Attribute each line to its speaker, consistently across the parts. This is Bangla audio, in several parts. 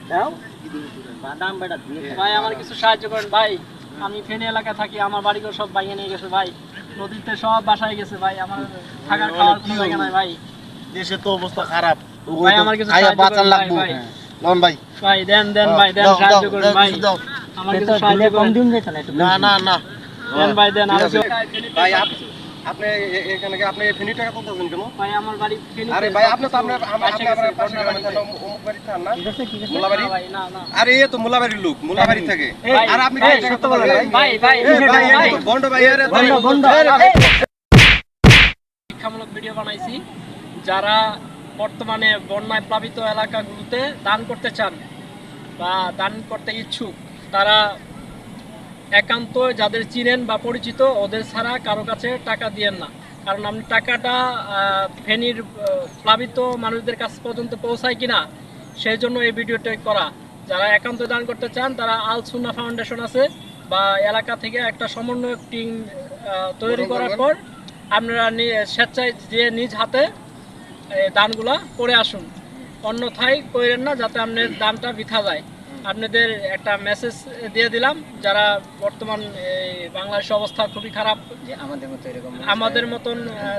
Speaker 1: ভাই আমার কিছু সাহায্য করেন ভাই, আমি ফেনী এলাকায় থাকি, আমার বাড়িঘর সব ভাঙে নিয়ে গেছে ভাই, নদীতে সব বাসায় গেছে ভাই, আমার থাকার খাওয়ার কোনো জায়গা নাই ভাই।
Speaker 2: দেশে তো অবস্থা খারাপ,
Speaker 1: ভাই আমার কিছু সাহায্য করেন ভাই,
Speaker 2: লন ভাই
Speaker 1: ভাই দেন দেন ভাই, দেন সাহায্য করেন ভাই, আমার কিছু সাহায্য করেন।
Speaker 2: না না না
Speaker 1: দেন ভাই দেন, আর
Speaker 3: ভাই আপনি এখানে কি আপনি ফেনী টাকা কত দেন কেন?
Speaker 1: ভাই আমার বাড়ি ফেনী।
Speaker 3: আরে ভাই আপনি তো আপনার পাশে গ্রামে থাকেন, অমুক বাড়ি থাকেন না? মোলাবাড়ি?
Speaker 1: ভাই না না
Speaker 3: আরে এ তো মোলাবাড়ির লোক, মোলাবাড়ি থাকে। আর আপনি
Speaker 1: ভাই,
Speaker 3: টাকা কত দেন?
Speaker 1: ভাই ভাই ভাই
Speaker 3: বন্ড ভাই আরে
Speaker 1: শিক্ষামূলক ভিডিও বানাইছি, যারা বর্তমানে বন্যায় প্লাবিত এলাকাগুলোতে দান করতে চান বা দান করতে ইচ্ছুক, তারা একান্ত যাদের চিনেন বা পরিচিত ওদের ছাড়া কারো কাছে টাকা দিয়েন না, কারণ আপনি টাকাটা ফেনীর প্লাবিত মানুষদের কাছ পর্যন্ত পৌঁছায় কিনা সেই জন্য এই ভিডিওটা করা। যারা একান্ত দান করতে চান তারা আল সুন্নাহ ফাউন্ডেশন আছে বা এলাকা থেকে একটা সমন্বয়ক টিম তৈরি করার পর আপনারা স্বেচ্ছায় যে নিজ হাতে দানগুলা করে আসুন, অন্যথায় করেন না যাতে আপনার দানটা বৃথা যায়। আপনাদের একটা মেসেজ দিয়ে দিলাম, যারা বর্তমান বাংলাদেশের অবস্থা খুবই খারাপ, আমাদের মতন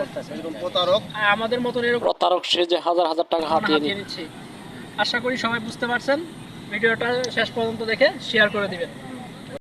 Speaker 1: এরকম প্রতারক সে যে হাজার হাজার টাকা হাতিয়ে নিচ্ছে। আশা করি সবাই বুঝতে পারছেন, ভিডিওটা শেষ পর্যন্ত দেখে শেয়ার করে দিবেন।